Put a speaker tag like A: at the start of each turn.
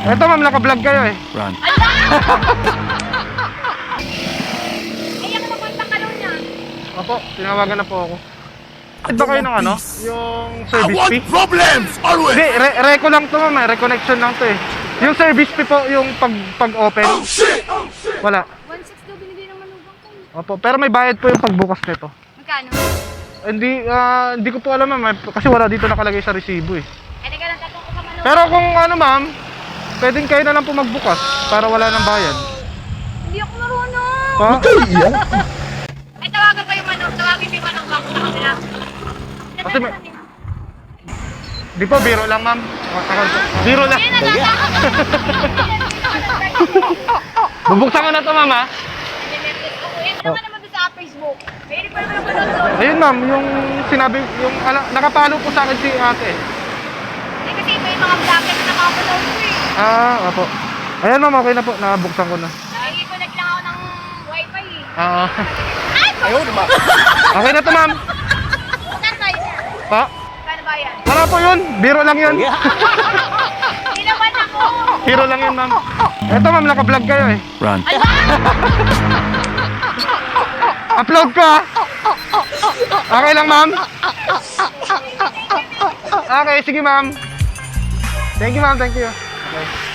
A: Eto ma'am, naka-vlog kayo eh.
B: Run.
C: Ayan ka naman takalo niya.
A: Opo, tinawagan na po ako. Ba kayo ng ano? Yung
B: I
A: service
B: want
A: fee?
B: problems always.
A: Hindi, reco lang to ma'am, reconnection lang to eh. Yung service fee po, yung pag-open.
B: Oh shit!
A: Wala.
C: 1.6 daw binigay ng manugang ko.
A: Opo, pero may bayad po yung pagbukas nito.
C: Magkano?
A: Hindi ko po alam ma'am, kasi wala dito nakalagay sa resibo eh.
C: Ay, nagka lang tatong ko sa manugang.
A: Pero kung ano ma'am, pwedeng kayo na lang po magbukas para wala ng bayad.
C: Hindi ako marunong.
A: Ha?
C: Ay, tawagan ko yung manok. Tawagin ko yung manugang ko sa kanila.
A: Kasi may... Di po, biro lang ma'am. Biro lang.
C: Ayun, natatakot.
A: Bubuksan ko na to ma'am ha.
C: Ano ka naman doon sa Facebook? May pa naman ako doon.
A: Ayun ma'am, yung sinabi, yung nakapalo po sa akin si ate.
C: Eh, kasi may mga vlogger na nakapaload ko eh.
A: Opo. Ayan ma'am, okay na po, nabuksan ko na.
C: Nakikiconnect lang ako ng wifi eh.
A: Ay,
B: Ayaw naman.
A: okay na to ma'am.
C: Saan ba yun?
A: Pa?
C: Kano ba yan?
A: Wala po yun, biro lang yun.
C: Hindi naman ako.
A: Biro lang yun ma'am. Eto ma'am, naka-vlog kayo eh.
B: Run.
A: Upload ko ha. Okay lang ma'am. Okay, sige ma'am. Thank you ma'am, thank you. Okay.